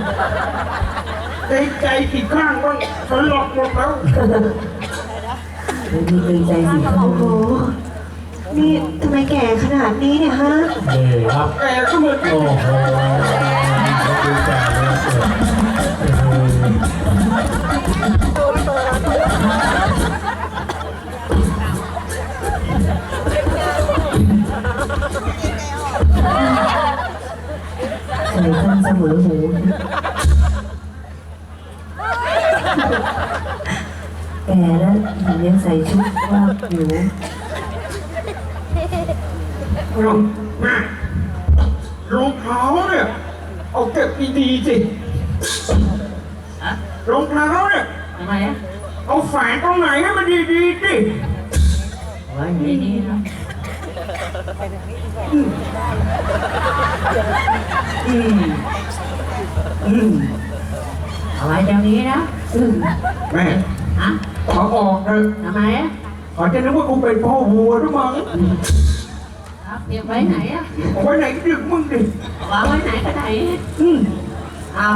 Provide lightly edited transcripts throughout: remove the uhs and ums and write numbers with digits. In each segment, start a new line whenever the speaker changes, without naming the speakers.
ใจกี่ข้างบ้างสลบหมดแล้ว
ไม่มีเกรงใจสิครับ
โอ้โหนี่ทำไมแก่ขนาดนี้เนี่ยฮะ
นี่ครับ
แกก็เหมือน
โอ้โหดูแต่เลย
ใส่ข้างเสมอหูแก่แล้วหญิงยังใส่ชุดว่าอยู่
รองเท้าเนี่ยเอาเก็บดีๆสิรองเท้าเนี่ย
ทำไมอ่ะ
เอาแฝงตรงไหนให้มันดีๆสิ
ไว้ดีๆนะเอาไว้เดี๋ยวนี้นะ
แม่
ฮะ
ขอออกเถอะ
ทำไมอ่ะ
ขอจะนึกว่ากูเป็นพ่อวัวหรือมั้ง
ครับเก็บไว้ไหนอ่ะ
เอาไว้ไหนดึกมึงดิ
วางไว้ไหนก็ได้เอา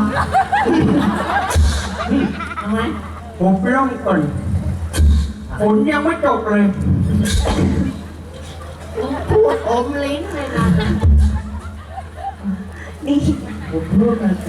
ทำไม
ผมไปร่องก่อนฝนยังไม่ตกเลย
พูดอมลิ้นเลยนะ
นี่
ผมพูดมาแต่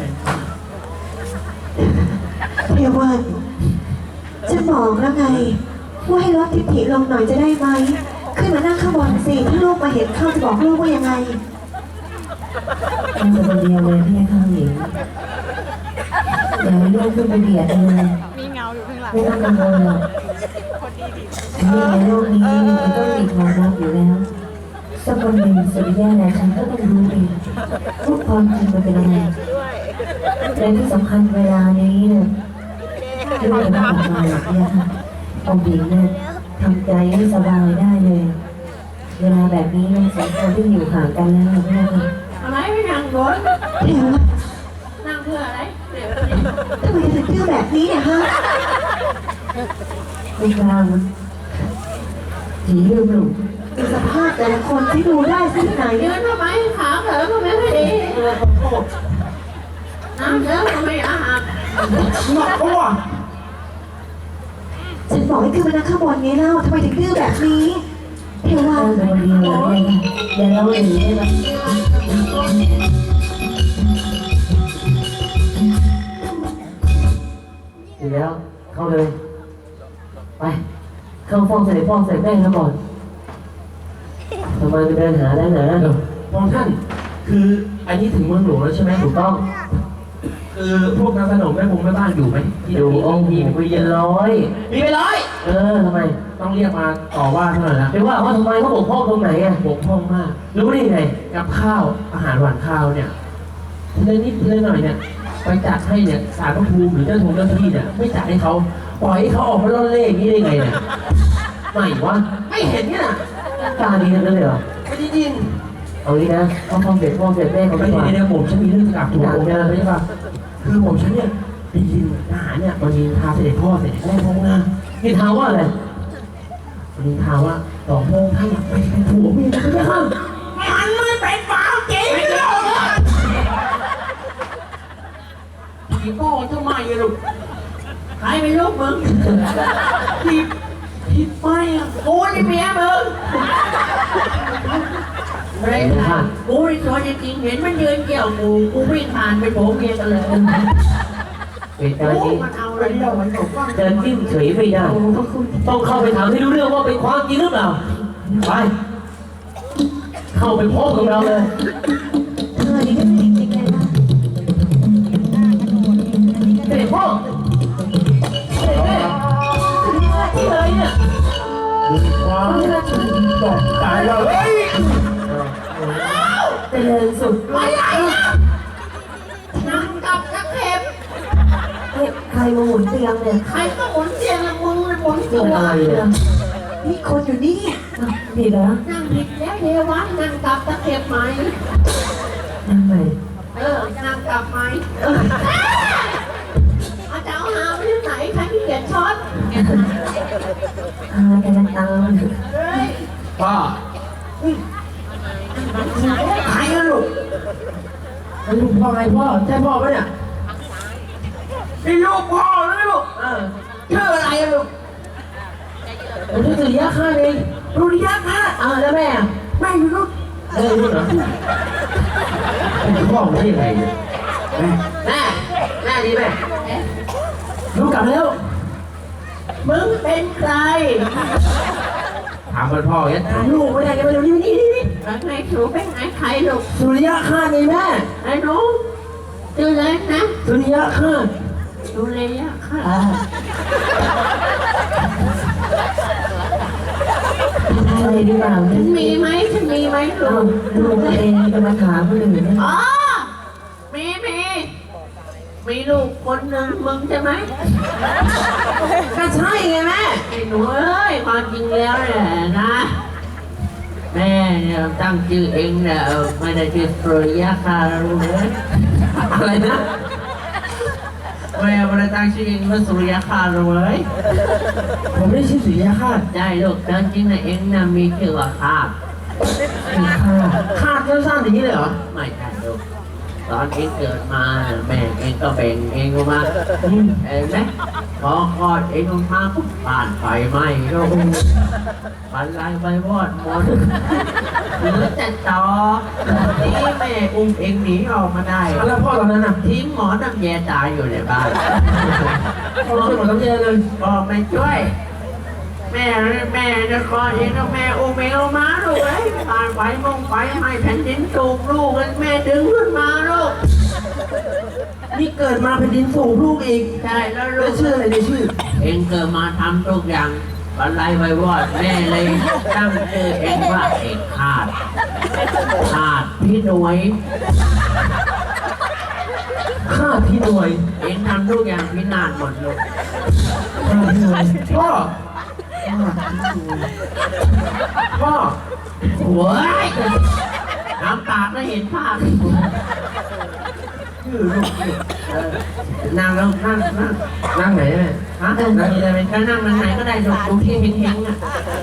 เพียวันจะบอกแล้วไงว่าให้ลดทิฐิลงหน่อยจะได้ไหมขึ้นมานั่งข้างบนสิถ้าลูกมาเห็นเข้าจะบอกลูกว่ายังไง
ตั้งแต่คนเดียวเลยพี่ข้างหญิงอย่าให้ลูกขึ้นไปเบียดเลยมีเงาอยู่ข้างหลังไม่ต้องกังวลหรอกนี่ในโลกนี้มันต้องมีความรักอยู่แล้วสักคนหนึ่งสุริยะและฉันก็ต้องรู้เองว่าความจริงมันเป็นยังไงและที่สำคัญเวลานี้เนี่ยลูกจะไม่ออกมาหรอกเนี่ยค่ะองค์หญิงเนี่ยทำใจให้สบายได้เลย เวลาแบบนี้เนี่ยสองคนที่อยู่ห่างกันแล้วเนี่ยค่ะ
ทำไมไม่นั่งบน
เพียวัน
นั่งเพื่ออะไรเดี๋ยว
ทำไมถึงดื้อแบบนี้เนี่ยฮะ
ไม่กล้ามันผีลืมหลุม
ดูสภาพแต่ละคนที่ดูได้ที่ไหน
ยืนทำไมขาเขอก็ไม่ค่อยดีน้ำเยอะก็ไม่อาหาร
หนักปะวะ
ฉันบอกให้ขึ้นมานั่งข้างบนไงเล่าทำไมถึงดื้อแบบนี้เพียวั
ตั้
น
งแต่คนเดียวเลยอย่าเล่าหนีได้ไหมดีแล้วเข้าเลยไปเข้าฟ้องเสด็จพ่อเสด็จแม่แล้วก่อนทำไมไปเดินหาได้ไหนนะ
มองท่านคืออันนี้ถึงเมืองหลวงแล้วใช่ไหม
ถูกต้อง
คือพวกนางขนมแม่พงแม่บ้านอยู่ไหมที่
อยู่องค์หญิงไปเย็นร้อย
มีไปร้อย
ทำไม
ต้องเรียกมาต่อว่าเท่าไหร่นะ
ไปว่าทำไมเขาบกพร่องตรงไหนอ่ะ
บกพร่องมาก
รู้ได้ไง
กับข้าวอาหารหวานข้าวเนี่ยทีละนิดทีละหน่อยเนี่ยไปจัดให้เนี่ยสารพระภูมิหรือเจ้าเจ้าที่เนี่ยไม่จัดให้เขาปล่อยให้เขาออกมาล่อนเล่อย่างนี้ได้ไงเนี่ยไม่วะไม่เห็นเนี่ย
กล้าดีนั่นเลยเหรอ
ไม่ได้ยิน
เอางี้นะเขาฟ้องเสด็จพ่อเสด็จแม่เขา
ไม่
ไม่
ได้
ว่า
เนี่ยผมฉันมีเรื่องจะกลับถูกผมนะใช่ปะคือผมฉันเนี่ยได้ยินทหารเนี่ยมันมีพาเสด็จพ่อเสด็จแม่พงนะ
นี่ถามว่าอะไร
มันมีข่าวว่าสองพงท่านไปเป็นผัวเมียกันไม่ได้
มันไม่เป็นฝาจริงหรอก
ผีพ่อทำไมอะลูก
ใครเป็นลูกมึง
ผิดไปอ่ะ
กูนี่เมียมึงอะไรนะกูนี่ตัวจริงๆเห็นมันยืนเกี่ยวกูวิ่งผ่านไปโผล่เมียกันเลย
เหตุการณ์นี้
มันเอาอะไรเรามันบอกว่า
จะจิ้มเฉยไม่ได้ต้องเข้าไปถามให้รู้เรื่องว่าเป็นความจริงหรือเปล่าไปเข้าไปพบกับเราเลย
เธอนี่ก็จริงจริงเลยนะ
เสด็จพ่อเสด็จแม่ที่ไหนเนี่ย
มีความตกใจแล้วเฮ้ย
เจริญสุด
ไม่ไหวนั่งกับนักเข็บ
ใครมาหมุนเตียงเนี่ย
ใครก็หมุนเตียงละมึงเลยหมุน
เกิ
ตั
ด
ว
อะไรเนี่ย
นี่คนอยู่นี่
ผิดเหรอ
นั่งผิดแล้วเทวันนั่งกับตะเข็บไหม
ทำไม
นั่งกับไหมอาจารย์หาไปที่ไหนใครที่เขียนช็อต
พากันตาม
เฮ้ย
ป้า
ใครอะลูก
แล้วลูกพ่อไงพ่อใช่พ่อปะเนี่ย
นี่ลูกพ่อเลยลูก
ชื่ออะไรอะลูก
ผมชื่อสุริยะข้าเอง
สุริยะค่ะ
แล้วแม่อะ
แม่อยู่ลูก
รู้เหรอเป็นพ่อได้ยังไงเนี่ย
แม่ดีแม่
รู้กลับแล้ว
มึงเป็นใคร
ถามมันพ่อเนี่ยถามลูกไม่ได้กันมาดูนี่
แล้วไงหนูเป็นไงใครลูก
สุริยะข้าไงแม่
ไอ้หนูชื่ออะไรนะ
สุริยะข้า
ดูเลยอะค่ะ
อะไรดีเปล่า
ฉั
เนี่ย
นมีไหมลู
เอา
ก
ลูกตัวเองจะมาถามคนอื่นเนี่ย
อ๋อมีลูกคนหนึ่งมึงใช่ไหม
ก็ใช่ไงแม่
ไอ้หนูเอ้ยความจริงแล้วเนี่ยนะแม่เนี่ยตั้งชื่อเองเนี่ยไม่ได้ชื่อสุริยะค่ะรู้ไหม
อะไรนะ
แม่ไม่ได้ตั้งชื่อเองว่าสุริยะค่ะรู้ไหม
ผมไม่ได้ชื่อสุริยะข้า
ได้ลูกแต่จริงๆนะเองนะมีชื่อว่าข้า
มีค่า
ข้าสั้นๆอย่างนี้เลยเหรอ
ไม่ใช่ลูกตอนเองเกิดมาแม่เองก็แบ่งเองออกมาเห็นไหมพอคลอดเองออกมาปุ๊บบ้านไฟไหม้ลูกบ้านลายไฟวอดหมดเหลือแต่ตอนี่แม่อุ้มเองหนีออกมาได้
แล้วพ่อตอนนั้นน่ะ
ทิ้งหมอน้ำแยตายอยู่ในบ้าน
พ่อช่วยหมดน้ำเย็นเลย
ก็ไม่ช่วย แม่จะคลอดเองก็แม่อุ้มเองออกมาลูกเอ้ยผ่านไฟให้แผ่นดินสูบลูกแม่ดึงขึ้นมาลูก
นี่เกิดมาเป็นดินสูงลูกอีก
ใช่แล้วลู
แล้ว
ก
ชื่ออะไรในชื่อ
เองเกิดมาทำทุกอย่างอะไรไว้วอดแม่เลยตั้งชื่อเองว่าเอกขาดพี่หน่วย
ข้าพี่หน่วย
เองทำทุกอย่างพินาศหมดลูก
ข้าพี่หน่วยพ่อ พ่อ
โว้ยน้ำตาก็เห็นภาพนั่งแล้วนั่ง
นั่งไหนแม่
ฮะนั่งได้ไหมก็นั่งไหนก็ได้ลูกตรงที่เฮงๆอ่ะ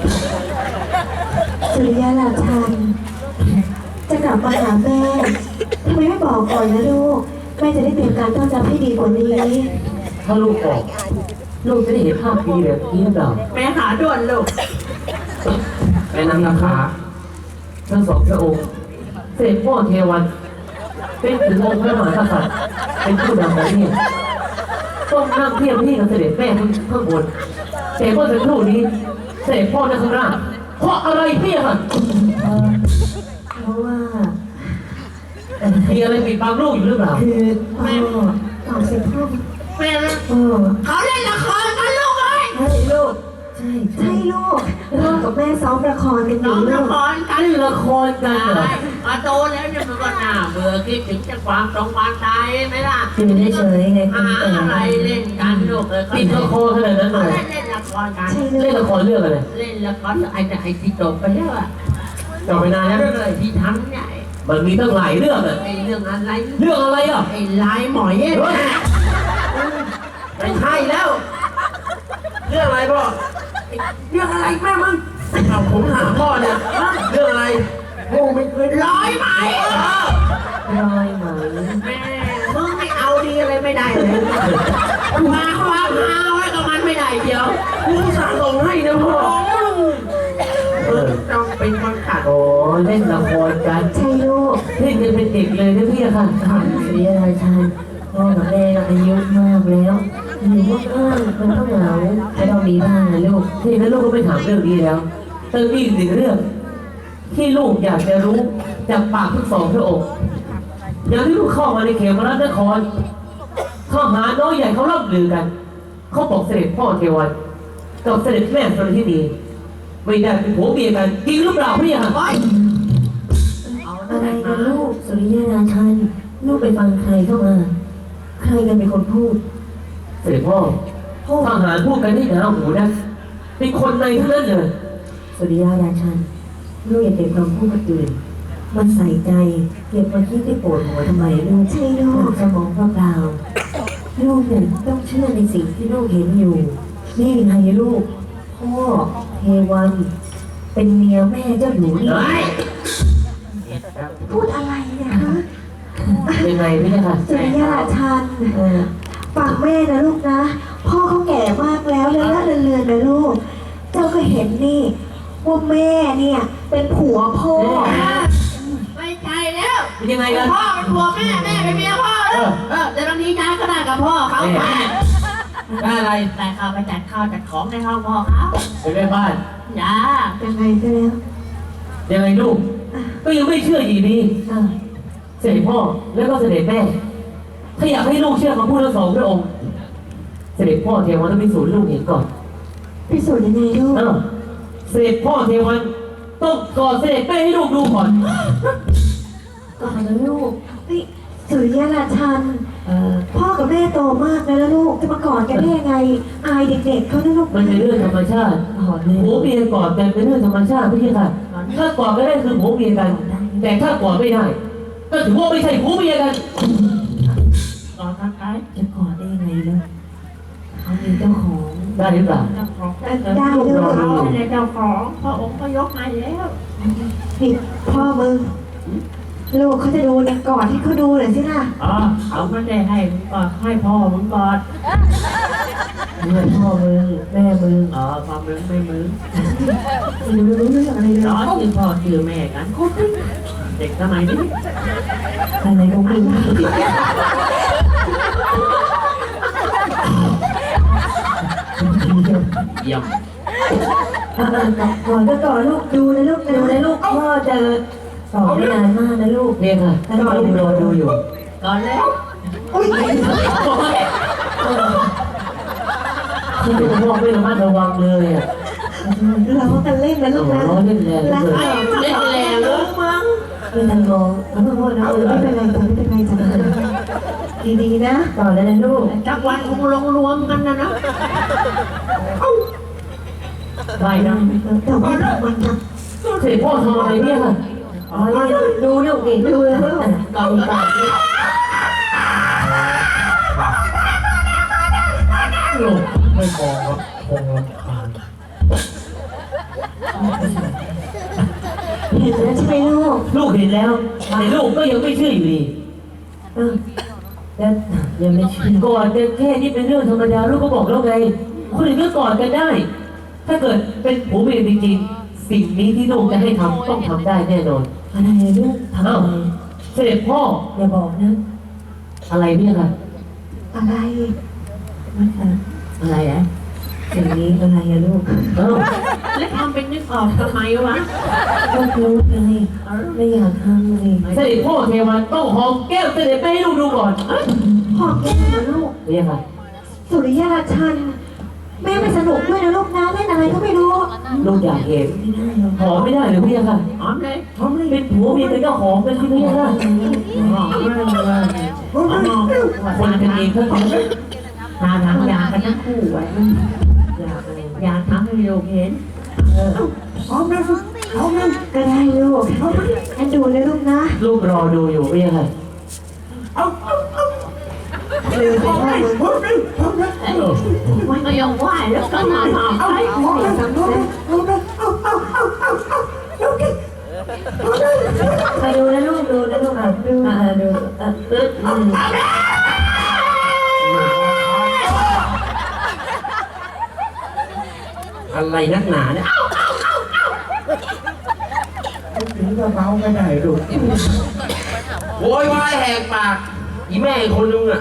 สุริยะราชัน จะกลับมาหาแม่ทำไมไม่บอกก่อนนะลูก แม่จะได้เตรียมการต้อนรับให้ดีกว่านี้
ถ้าลูกบอกลูกจะได้เห็นภาพดีแบบนี้หรือเปล่า
แม่หาด่วนลูก
แม่นำราคาทั้งสองพระองค์เสด็จพ่อเทวันเป็นถึงองค์พระมหากษัตริย์เป็นผู้นำประเทศต้องนั่งเทียบที่กับเสด็จแม่ข้างบนแต่เมื่อสักครู่นี้เสด็จพ่อนั่งข้างล่างเพราะอะไรพี่ค่ะ
เพราะว่า
มีอะไรปิดบังลูกอยู่หรือเปล่า
คือพ่อ
ตอบสิพ่อ
แม่
พ่อ
เขาเล่นละครกันลูกเอ้ย
ใช่ลูกใช่
ใช่ลูกพ่อกับแม่ซ้อมละครกันอ
น้อยู่ ง
ลู
ละ
ก
ครกัน
นี่ละครกันเหรอ
มาโตแล้วเนี่ยมันก็น่าเบื่อคิดถึงจะความตรงความตายไหมล่ะ
คือได้เฉยไงคุ
หา
ณแต่
อะไรเล่นกันลูกเอ้ย
ปิดละครขนาดนั้นเลย
เล่นละครกัน
ใช่
เล่นละครเรื่องอะไร
เล่นละครไอ้แต่ไอ้ที่จบไปแล้วอะ
จบไปนานแล้ว
เรื่องอะไรที่ทำเนี่ย
มันมีตั้งหลายเรื่องอะ
ไอ้เรื่องอะไร
เรื่องอะไรอ่ะ
ไอ้ลายหมอยเอ้ย
เฮ้ยไม่ใช่แล้ว เรื่องอะไรพ่อ
เรื่องอะไรแม่มึง
เอาผมถามพ่อเนี่ยเรื่องอะไรโอ้ไม่เคย
ร้อยไหม
รอยไหม
แม่มึงไม่เอาดีอะไรไม่ได้เลยมาความฮาไว้กับมันไม่ได้เดียว
กูสั่งส่งให้นะพ่อ
ต้องเป็นคนขัด
โอ้เล่นละครกัน
ใช่ลูก
เล่นกันเป็นเด็กเลยนะพี่อะค่ะ
สุริยราชันพ่อกับแม่อายุมากแล้วอยู่ว่างๆมันต้องเหงาไม่ต้องมีบ้างนะลูก
ที่นั้นลูกก็ไม่ถามเรื่องนี้แล้วแต่มีอีกหนึ่งเรื่อง ที่ลูกอยากจะรู้จากปากทั้งสองพระองค์อย่างที่ลูกเข้ามาในเขมรนครทหารน้อยใหญ่เขาล่ำลือกัน เขาบอกเสด็จพ่อเทวันกับเสด็จแม่สรทินีไม่ได้เป็นผัวเมียกันจริงหรือเปล่าพี่อะ
อะไรกันลูกสุริยราชันลูกไปฟังใครเข้ามา ใครกันเป็นคนพูด
เสด็จพ่อทหารพูดกันที่หนาหูนะเป็นคนในทั้งนั้นเลย
สุริยราชันลูกอย่าเก็บความพูดกับอื่นมันใส่ใจเก็บมาคิดที่ปวดหัวทำไมลูก
ใช่ลูก
สมองเปล่าๆลูกเนี่ยต้องเชื่อในสิ่งที่ลูกเห็นอยู่นี่ไงลูกพ่อเทวันเป็นเมียแม่เจ้าอยู่นี่
พูดอะไรเนี่ยฮะ
เป็นไงพี่อะค่ะ
สุริยะราชัน
เออ
ฟังแม่นะลูกนะ พ่อเขาแก่มากแล้วเลือนนะลูก เจ้าก็เห็นนี่ว่าแม่เนี่ยเป็นผัวพ่อ
ไม่ใช่แล้ว
เป็นยังไงกัน
พ่อเป็นผัวแม่แม่เป็นเมียพ่อแล้วแต่ตอนนี้ย้ายก็ได้กับพ่อเขาไป
ได้อะไร
แต่เขาไปจัดข้าวจัดของในห้องพ่อเขา
เป็นแม่บ้าน
จ้า
เป็นไงซะแล้ว
ยังไงลูก ก็ยังไม่เชื่ออยู่ดี
อ่ะ
เสด็จพ่อแล้วก็เสด็จแม่ ถ้าอยากให้ลูกเชื่อคำพูดทั้งสองพระองค์ เสด็จพ่อเทวันต้องพิสูจน์ลูกเห็นก่อน
พิสูจน์ยังไงลูก
เสด็จพ่อเทวันต้องกอดเสด็จแม่ให้ลูกดูก่อน
ก่อนนะลูกนี่สุริยราชันพ่อกับแม่โตมากแล้วลูกจะมากอดกันได้ยังไง อายเด็กๆเขานะลูก
มันเป็นเรื่องธรรมชาติผัวเมียกอดกันเป็นเรื่องธรรมชาติพี่ค่ะถ้ากอดไม่ได้คือผัวเมียกัน แต่ถ้ากอดไม่ได้ ก็ถือว่าไม่ใช่ผัวเมียกัน
ก่อนทักทาย
จะกอดได้ยังไงล่ะเขามีเจ้าของ
ได้หรือเปล่า
เจ้าของ
ได้ลูก
เขาเป็นเจ้าของพระองค์ก็ยกให้แล้ว
นี่พ่อมึงลูกเขาจะดูเนี่ยกอดให้เขาดูหน่อยสิล่ะ
อ๋อเขาไม่ได้ให้มึงก่อนให้พ่อมึงก่อน
เมื่อพ่อมึงแม่มึง
อ๋อความมึงไม่มึง
ไม่รู้เรื่องอะไรเลย
ร้อนชื่อพ่อชื่อแม่กันเด็กสมัยนี้
อะไรของมึง
เยี่ยม
ก่อนก็ก่อนลูกดูนะลูกดูนะลูกพ่อเจอสอบไม่นานมากนะลูก
เนี่ยค่ะถ้าลูกรอดูอยู่
ก่อนแล้ว
ที่ลูกพ่อไม่ระมัดระวังเลยอ่ะ
เรากันเล่นนะลูกนะ
ร้อนเล่นแรง
รัก
เลย
เรา
เล่นแรงเลยมั้ง
ไม่ทันมองแล้วพ่อนะ
ไม่เป็นไรจ้ะไม่เป็นไรจ้ะดีๆนะ
ก่อนแล้วนะลูก
จักวันคงลงรวมกันนะ
ได้นะ
แต่ว่ามันท
เสด็จพ่อทำอะไรเนี่ยค่ะ
อ๋อดูลูกดิดูแล้วลูก
กองปาก
ลูกไม่มองครับคงรำคาญ
ำเห็นแล้วใช่ไหมลูก
ลูกเห็นแล้วแต่ลูกก็ยังไม่เชื่ออยู่ดี
แล้วยังไม่เชื่อก
อดกันแค่นี้เป็นเรื่องธรรมดาลูกก็บอกแล้วไงคนอื่นก็กอดกันได้ ถ้าเกิดเป็นผัวเมียจริงๆสิ่งนี้ที่ลูกจะให้ทำต้องทำได้แน่นอน
อะไรลูกทำอะไร
เสด็จพ่อ
อย่าบอกนะ
อะไรเนี่ยค่ะ
อะไร
มัน
อะไรอ่ะ
สิ่งนี้อะไรอะลูก
เอ้า
แล้วทำเป็นนึกออกทำไมวะ
ก็รู้ไงไม่อยากทำเลย
เสด็จพ่อเทวันต้องหอมแก้วเสด็จแม่ให้ลูกดูก่อน
หอมแก้มนะลูก
เนี่ยค่ะ
สุริยราชัน แม่ไม่สนุกด้วยนะลูกนะเล่นอะไรก็ไม่รู้
ลูกอยากเห็น
ไม่ได้หรอก
หอมไม่ได้หรือพี่ค่ะ
หอมเลย
หอมเลยเป็นผัวเมียกันก็หอมกันสิพี่ค่ะ
หอมเลยหอม
คนกันเองก็ทำ
ทาทำยากันทั้งคู่ไว้ยาทำให้โยมเห็น
หอมนะหอมนะก็ได้ลูกอันดูเลยลูกนะ
ลูกรอดูอยู่พี่ค่ะ
ลืมไปว่ามึง
มันก็ยังไหวแล้วก็นอนหอมไป
ไปดูนะลูกดูนะลูกดูดู
อะไรนักหนาเนี่ย
ถึงจะเมาไม่ได้ลูก
โวยวายแหกปากอีแม่อีกคนนึงอ่ะ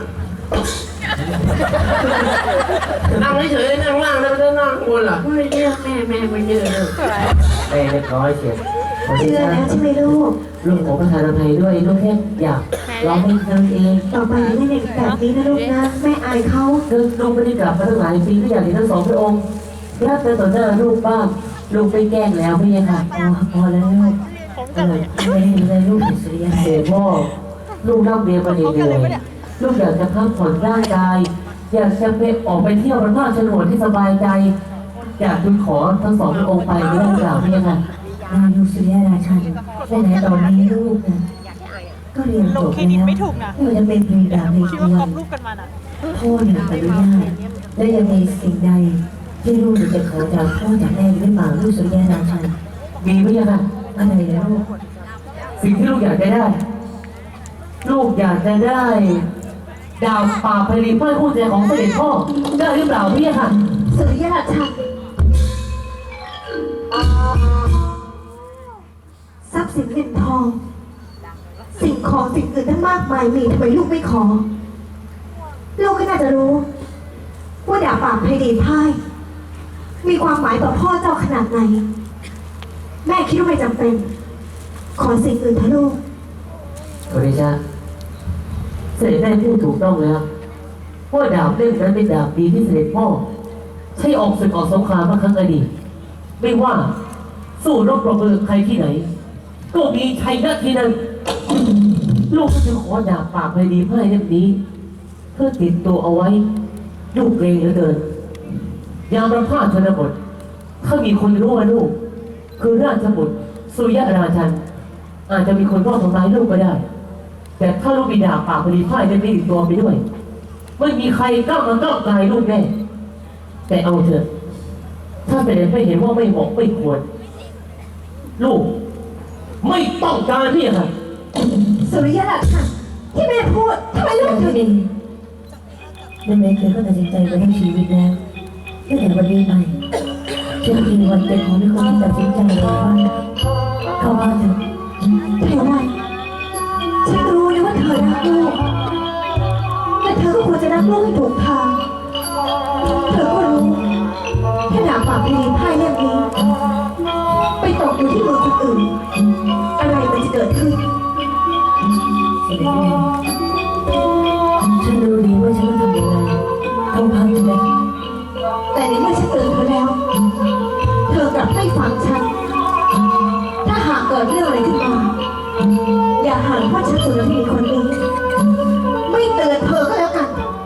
นั่งเฉยๆนั่งล่างแล้วไม่ได้นั่งข้างบนล่ะ
ไม่เยอะแม่ไม่เยอะเลย
แม่เรียบร้อยเสร็จ
เชื่อแล้วใช่ไหมลูก
ลูกขอประทานอภัยด้วยลูกแค่อยากร้องเพลงเธอเอง
ต่อไปอย่าเล่นแบบนี้นะลูกนะแม่อายเขา
คือลูกไม่ได้กลับมาตั้งหลายปีก็อยากเห็นทั้งสองพระองค์รักเธอต่อหน้าลูกบ้างลูกไปแกล้งแล้วพี่ค่ะ
พอแล้วลูกไม่เห็นเลยลูกสุริยะ
เสด็จพ่อลูกรับเรียนมาเหนื่อยลูกอยากจะพักผ่อนร่างกาย อยากจะไปออกไปเที่ยวบนภาคฉนวนที่สบายใจ อยากคุณขอทั้งสองพระองค์ไปไม่ได้หรือเปล่าพี่ค่ะ
ลูกสุริยะราชันแต่ไหนตอนนี้ลูกนะก็เรียนจบแล้วไม่ว่าจะเป็นปริญญาในตัวพ่อเนี่ยอนุญาตและยังมีสิ่งใดที่ลูกจะขอจากพ่อจากแม่หรือเปล่าลูกสุริยะราชัน
มีพี่ค่ะ
อะไรนะลูก
สิ่งที่ลูกอยากจะได้ ลูกอยากจะได้ดาวป่าพลีพ่ายคู่ใจของเสด็จพ่อได้หรือเปล่าพี่ค่ะ
สุริยราชันทรัพย์สินเงินทอง สิ่งของสิ่งอื่นทั้งมากมายมีทำไมลูกไม่ขอ ลูกก็น่าจะรู้ ว่าดาบป่าไพดีพ่ายมีความหมายต่อพ่อเจ้าขนาดไหน แม่คิดว่าไม่จำเป็น ขอสิ่งอื่นเถอะลูก
ขอเดชะเสด็จแม่พูดถูกต้องแล้วว่าดาบเล่มนั้นเป็นดาบดีที่เสด็จพ่อใช้ออกศึกออกสงครามเมื่อครั้งอดีตไม่ว่าสู้รบปรบมือใครที่ไหน ก็มีชัยชนะที่นั่นลูกก็จะขอดาบปากไพดีพ่ายเล่มนี้ เพื่อติดตัวเอาไว้ลูกเกรงเหลือเกินยามประพาสชนบทถ้ามีคนรู้ว่าลูกคือราชบุตรสุริยราชันอาจจะมีคนรอบทำร้ายลูกก็ได้ แต่ถ้าลูกมีดาบปากพอดีพ่ายจะไม่ติดตัวไปด้วยไม่มีใครกล้ามาก้าวไกลลูกแน่แต่เอาเถอะถ้าเสด็จไม่เห็นว่าไม่เหมาะไม่ควรลูกไม่ต้องการพี่ค่ะ
สุริยราชันที่แม่พูดทำไมลูกถึง
แม่เคยก็ตัดสินใจมาทั้งชีวิตแล้วตั้งแต่วันนี้ไปจนถึงวันเป็นของที่คนที่ตัดสินใจเลยว่าเข้าบ้านเถอะ
เทวันฉันรู้นะว่าเธอรักลูกแต่เธอก็ควรจะรักลูกให้ถูกทาง เธอก็รู้แค่ดาบปากดีพ่ายเล่มนี้ ไปตกอยู่ที่มือคนอื่น อะไรมันจะเกิดขึ้น
เสด็จแม่ฉันรู้ดีว่าฉันต้องทำยังไงเข้าบ้านเถอะ
แต่ในเมื่อฉันเตือนเธอแล้ว เธอกลับไม่ฟังฉัน ถ้าหากเกิดเรื่องอะไรขึ้นมา อย่าหันว่าฉันสุรพีคนนี้ ไม่เตือนเธอก็แล้วกัน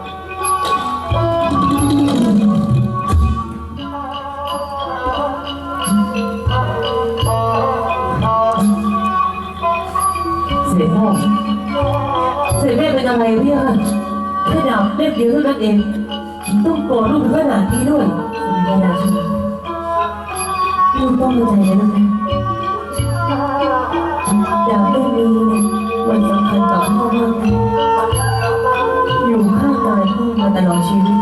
เสด็จพ่อเสด็จแม่เป็นอะไรพี่ค่ะแค่ดาบเล่มเดียวเท่านั้นเองต้องโกรธลูกถึงขนาดนี้ด้วย
สุริยราชันลูกต้องเข้าใจนะลูกนะดาวเล่มนี้เนี่ยมันสำคัญต่อพ่อมากนะอยู่ข้างกายพ่อมาตลอดชีวิต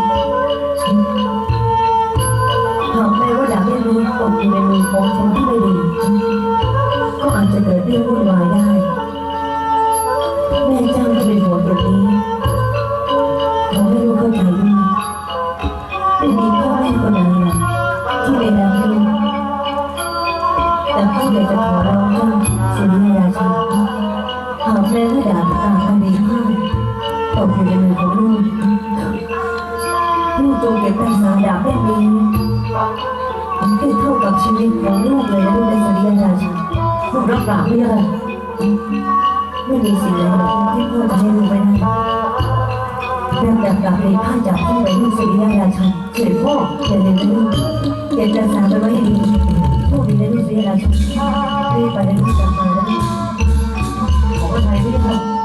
หากแม้ว่าดาวเล่มนี้ตกอยู่ในมือของคนที่ไม่ดีก็อาจจะเกิดเรื่องวุ่นวายได้แม่เจ้าจะเป็นห่วงตรงนี้ขอให้ลูกเข้าใจด้วยไม่มีพ่อแม่คนไหนหรอกที่ไม่รักลูกแต่พ่ออยากจะขอร้องเจ้าสุริยราชันหากแม้ว่าดาบตาคดีพ่อตกอยู่ในมือของลูกลูกจงเก็บรักษาดาบเล่มนี้ให้เท่ากับชีวิตของลูกเลยนะลูกในสุริยราชัน
ลูกรับปากพี่ค่ะ
ไม่มีสิ่งใดที่พ่อจะให้ลูกไม่ได้เรื่องจากกลับเลยพ่ายจากพ่อไปลูกสุริยราชัน
เสด็จพ่อ
อย่าลืมนะลูกเก็บรักษาไปไว้ให้ดีพวกดีนะลูกสุริยราชันรีบไปนะลูกกลับมานะ
ขอพระทัยพี่ค่ะ